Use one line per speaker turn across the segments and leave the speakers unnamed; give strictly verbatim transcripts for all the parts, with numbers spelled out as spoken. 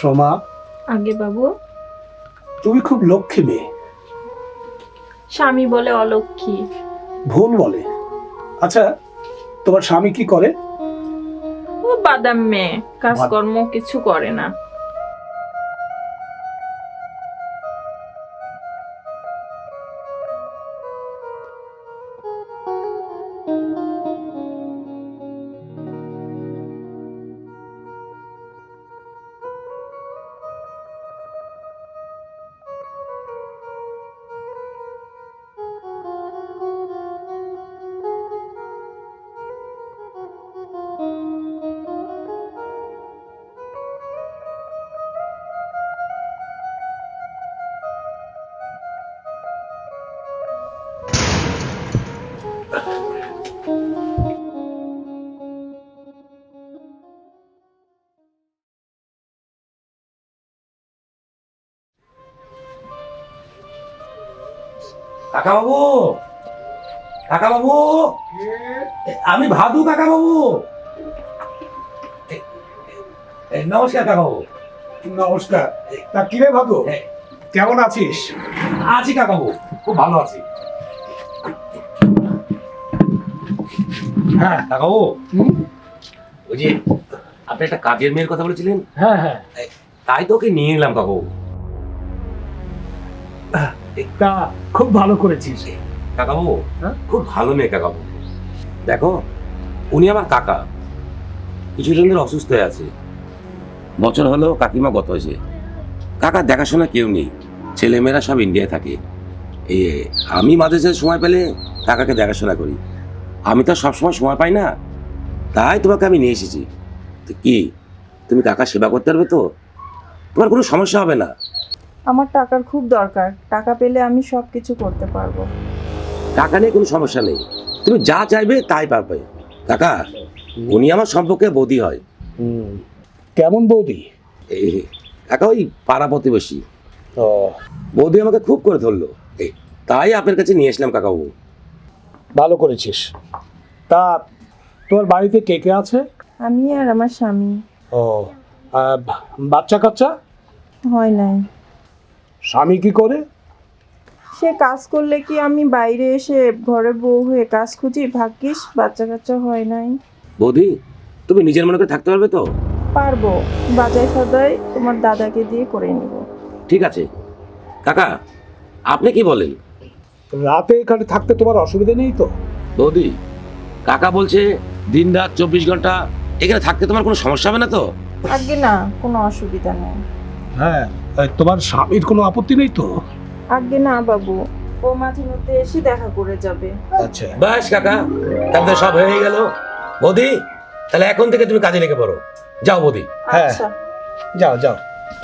সোমা,
আগে বাবু।
তুমি খুব লক্ষ্মী মেয়ে।
স্বামী বলে অলক্ষ্মী।
ভুল বলে। আচ্ছা, তোমার স্বামী কি করে?
ও বাদাম মেয়ে, কাজকর্ম কিছু করে না।
কাকা বাবু, কাকা বাবু, আমি ভাদু কাকা বাবু। নমস্কার কাকা বাবু।
নমস্কার। তা কিরে ভাদু, কেমন আছিস?
আছি কাকা বাবু, খুব ভালো আছি। হ্যাঁ কাকা বাবু, ওই যে আপনি একটা কাজের মেয়ের কথা বলেছিলেন।
হ্যাঁ হ্যাঁ,
তাই তো ওকে নিয়ে এলাম কাকা বাবু।
তা খুব ভালো করেছিস।
কাকা বাবু,
হ্যাঁ?
খুব ভালো মেয়ে কাকা বাবু। দেখো, উনি আমার কাকা, কিছুদিন ধরে অসুস্থ হয়ে আছে। বছর হলো কাকিমা গত হয়েছে। কাকা দেখাশোনা কেউ নেই, ছেলেমেয়েরা সব ইন্ডিয়ায় থাকে। এই আমি মাঝে সাঝে সময় পেলে কাকাকে দেখাশোনা করি। আমি তো সবসময় সময় পাই না, তাই তোমাকে আমি নিয়ে এসেছি। তো কি তুমি কাকা সেবা করতে পারবে তো? তোমার কোনো সমস্যা হবে না।
আমার টাকার খুব দরকার, টাকা পেলে আমি সব কিছু করতে পারবো।
টাকা নিয়ে কোনো সমস্যা নেই, তুমি যা চাইবে তাই পারবে। কাকা, উনি আমার সম্পর্কে বৌদি হয়।
কেমন বৌদি?
এই কাকা ওই পাড়া প্রতিবেশী।
ও,
বৌদি আমাকে খুব করে ধরলো, এই তাই আপনার কাছে নিয়ে আসলাম কাকাবাবু।
ভালো করেছিস। তা তোমার বাড়িতে কে কে আছে?
আমি আর আমার স্বামী।
ও, আহ, বাচ্চা কাচ্চা?
হয় নাই।
স্বামী কি করে?
সে কাজ করলে কি আমি বাইরে এসে ঘরে বউ হয়ে কাজ খুঁজি? ভাগ্যিস বাচ্চা কাচ্চা হয় নাই।
বৌদি, তুমি নিজের মনে করে থাকতে পারবে তো?
পারবো, বাজাই সদাই তোমার দাদাকে দিয়ে করে নিব।
ঠিক আছে কাকা, আপনি কি বলেন?
রাতে এখানে থাকতে তোমার অসুবিধা নেই তো?
বৌদি, কাকা বলছে দিন রাত চব্বিশ ঘন্টা এখানে থাকতে তোমার কোনো সমস্যা হবে না তো?
আগে না, কোনো অসুবিধা নেই।
হ্যাঁ, তোমার স্বামীর কোনো আপত্তি নেই তো?
আগে না বাবু, ও মাঝে মধ্যে এসে দেখা করে যাবে।
আচ্ছা,
বাস কাকা, তাহলে সব হয়ে গেল। বৌদি, তাহলে এখন থেকে তুমি কাজে লেগে পড়ো। যাও বৌদি।
হ্যাঁ।
আচ্ছা,
যাও যাও।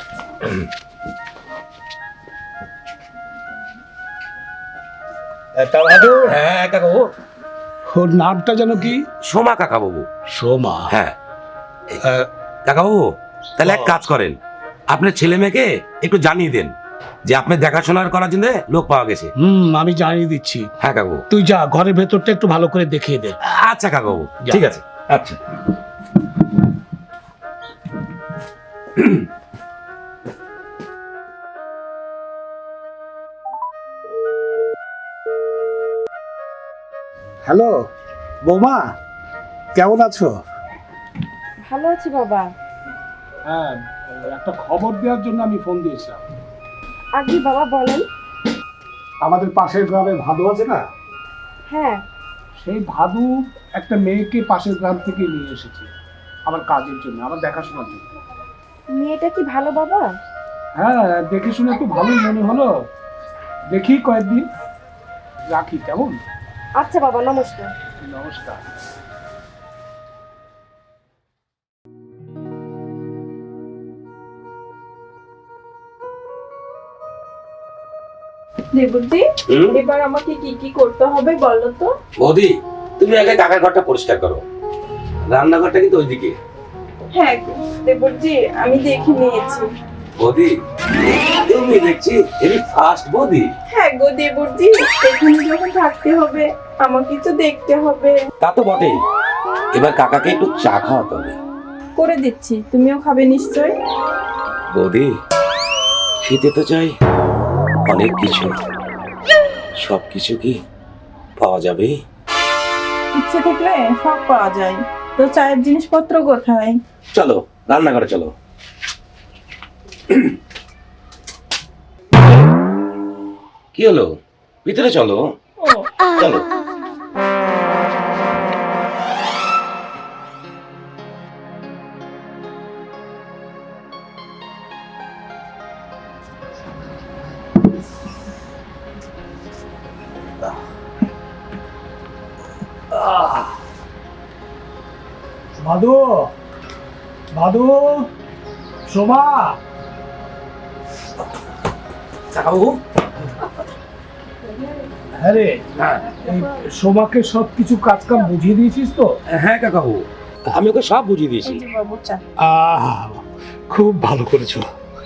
তা ভাদু,
হ্যাঁ কাকাবাবু।
ওর নামটা যেন কি?
সোমা কাকাবাবু।
সোমা।
হ্যাঁ
আহ,
কাকাবাবু, তাহলে এক কাজ করেন, আপনার ছেলে মেয়েকে একটু জানিয়ে দেন যে আপনার দেখাশোনার করার জন্য লোক পাওয়া গেছে।
হুম, আমি জানিয়ে দিচ্ছি।
হ্যাঁ কাকাবাবু।
তুই যা, ঘরের ভেতরটা একটু ভালো করে দেখিয়ে দে।
আচ্ছা কাকাবাবু,
যা।
ঠিক আছে। আচ্ছা।
হ্যালো বৌমা, কেমন আছো?
ভালো আছি বাবা।
হ্যাঁ, একটা খবর দেওয়ার জন্য আমি ফোন দিয়েছিলাম।
আগে বাবা বলেন।
আমাদের পাশের গ্রামে ভাদু আছে না,
হ্যাঁ।
সেই ভাদু একটা মেয়েকে পাশের গ্রাম থেকে নিয়ে এসেছে আমার কাজের জন্য, আমার দেখাশোনার জন্য।
মেয়েটা কি ভালো বাবা?
হ্যাঁ, দেখে শুনে একটু ভালোই মনে হলো। দেখি কয়েকদিন রাখি, কেমন?
আচ্ছা বাবা, নমস্কার।
নমস্কার।
দেবজি,
হুম?
এবার আমাকে কি কি করতে হবে বলো তো?
বৌদি, তুমি আগে কাকার ঘরটা পরিষ্কার করো, রান্নাঘরটা কিন্তু ওইদিকে।
হ্যাঁ দেবজি, আমি দেখে নিয়েছি।
বৌদি, তুমি দেখছি হেভি ফাস্ট বৌদি।
হ্যাঁ গো দেবজি, এখানে যখন থাকতে হবে আমাকে তো দেখতে হবে।
তা তো বটেই, এবার কাকাকে একটু চা খাওয়াতে হবে।
করে দিচ্ছি, তুমিও খাবে নিশ্চয়।
বৌদি, খেতে তো চাই অনেক কিছু, সব কিছু কি পাওয়া যাবে?
ইচ্ছে থাকলে সব পাওয়া যায়, তো চায়ের জিনিসপত্র কোথায়?
চলো রান্নাঘরে চলো। কি হলো, ভিতরে চলো।
ও
চলো।
মাধু, মাধু, শোভা,
কাকাবাবু।
হ্যাঁ রে,
হ্যাঁ
এই শোভাকে সব কিছু কাজ কাম বুঝিয়ে দিয়েছিস তো?
হ্যাঁ কাকাবাবু, আমি ওকে সব বুঝিয়ে দিয়েছি।
এই যে বাবু চা।
আহ, খুব ভালো করেছো।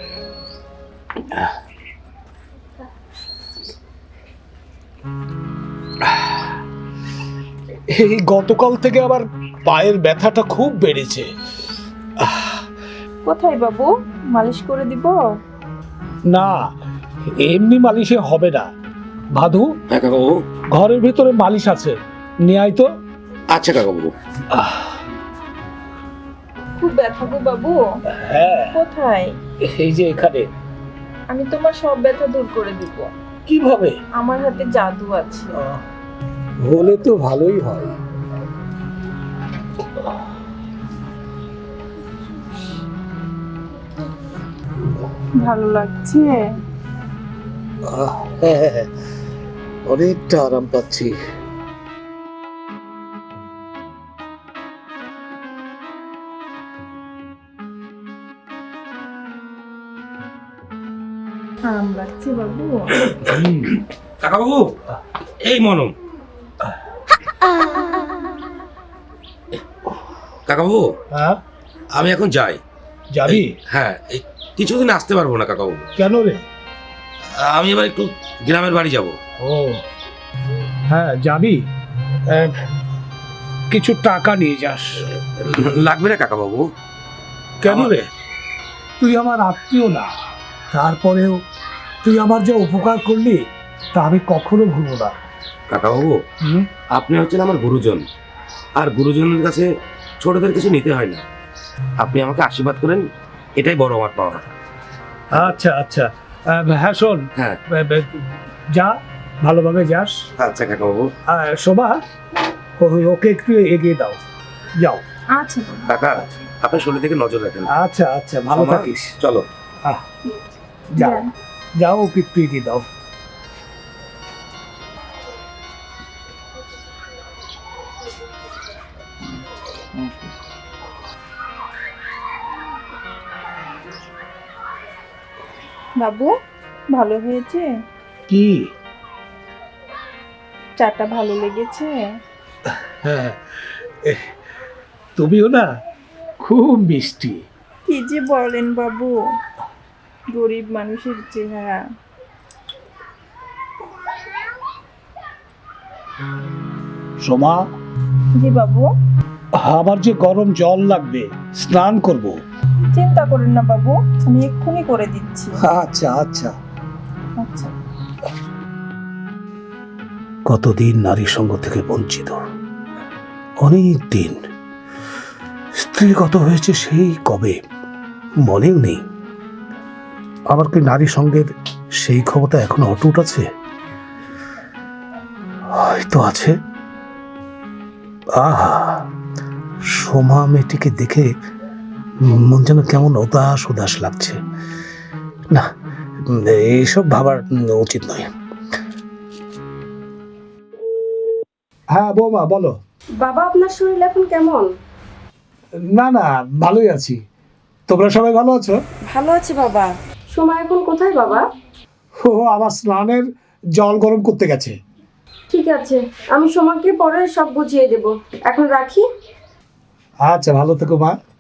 এই গতকাল থেকে আবার পায়ের ব্যথাটা খুব বেড়েছে।
কোথায় বাবু, মালিশ করে দিব?
না, এমনি মালিশে হবে না। ভাদু,
হ্যাঁ কাকাবাবু।
ঘরের ভিতরে মালিশ আছে, নিয়ে আয় তো।
আচ্ছা কাকাবাবু।
খুব ব্যথা গো বাবু।
হ্যাঁ,
কোথায়?
এই যে এখানে।
আমি তোমার সব ব্যথা দূর করে দিব।
কিভাবে?
আমার হাতে জাদু আছে।
হলে তো ভালোই হয়।
ভালো লাগছে?
হ্যাঁ, অনেকটা আরাম পাচ্ছি।
আরাম লাগছে বাবু?
কাকাবাবু, এই মনম। কাকাবাবু,
হ্যাঁ,
আমি এখন যাই।
যাবি?
হ্যাঁ, এই কিছুদিন আসতে পারবো না কাকাবাবু।
কেন রে?
আমি এবার একটু গ্রামের বাড়ি যাব।
ও হ্যাঁ, যাবি? আহ, কিছু টাকা নিয়ে যাস।
লাগবে না কাকাবাবু।
কেন রে? তুই আমার আত্মীয় না, তারপরেও তুই আমার যে উপকার করলি তা আমি কখনো ভুলবো না।
কাকাবাবু,
হুম?
আপনি হচ্ছেন আমার গুরুজন, আর গুরুজনের কাছে ছোটদের কিছু নিতে হয় না। আপনি আমাকে আশীর্বাদ করেন, এটাই বড় আমার পাওয়া।
আচ্ছা আচ্ছা, আহ, হ্যাঁ শোন,
হ্যাঁ।
আহ, আহ, যা, ভালোভাবে যাস।
আচ্ছা কাকাবাবু।
আর শোভা, ও- ওকে একটু এগিয়ে দাও, যাও।
আচ্ছা বাবু।
কাকা, আপনার শরীর থেকে নজর রাখেন।
আচ্ছা আচ্ছা, ভালো
সোমা,
থাকিস।
চলো।
আহ, যাও
যান।
যাও, ওকে একটু এগিয়ে দাও।
বাবু, ভালো হয়েছে?
কি?
চাটা ভালো লেগেছে?
হ্যাঁ, এ, তুমিও না খুব মিষ্টি।
কি যে বলেন বাবু, গরিব মানুষের চেহারা।
সোমা,
জি বাবু।
আমার যে গরম জল লাগবে, স্নান করব।
চিন্তা করেন না বাবু, আমি এক্ষুনি করে দিচ্ছি।
আচ্ছা আচ্ছা।
আচ্ছা।
কতদিন নারী সঙ্গ থেকে বঞ্চিত, অনেক দিন। স্ত্রীগত হয়েছে সেই কবে, মনেও নেই। আমার কি নারী সঙ্গের সেই ক্ষমতা এখনো অটুট আছে? হয়তো আছে। আহা, সোমা মেয়েটিকে দেখে মন যেন কেমন উদাস উদাস লাগছে। না, এইসব ভাবার উচিত নয়। হ্যাঁ বৌমা, বলো।
বাবা, আপনার শরীর এখন কেমন?
না না, ভালোই আছি। তোমরা সবাই ভালো আছো?
ভালো আছি বাবা। সময় এখন কোথায় বাবা?
ও আমার স্নানের জল গরম করতে গেছে।
ঠিক আছে, আমি সময়কে পরে সব বুঝিয়ে দেব। এখন রাখি।
আচ্ছা, ভালো থেকো মা।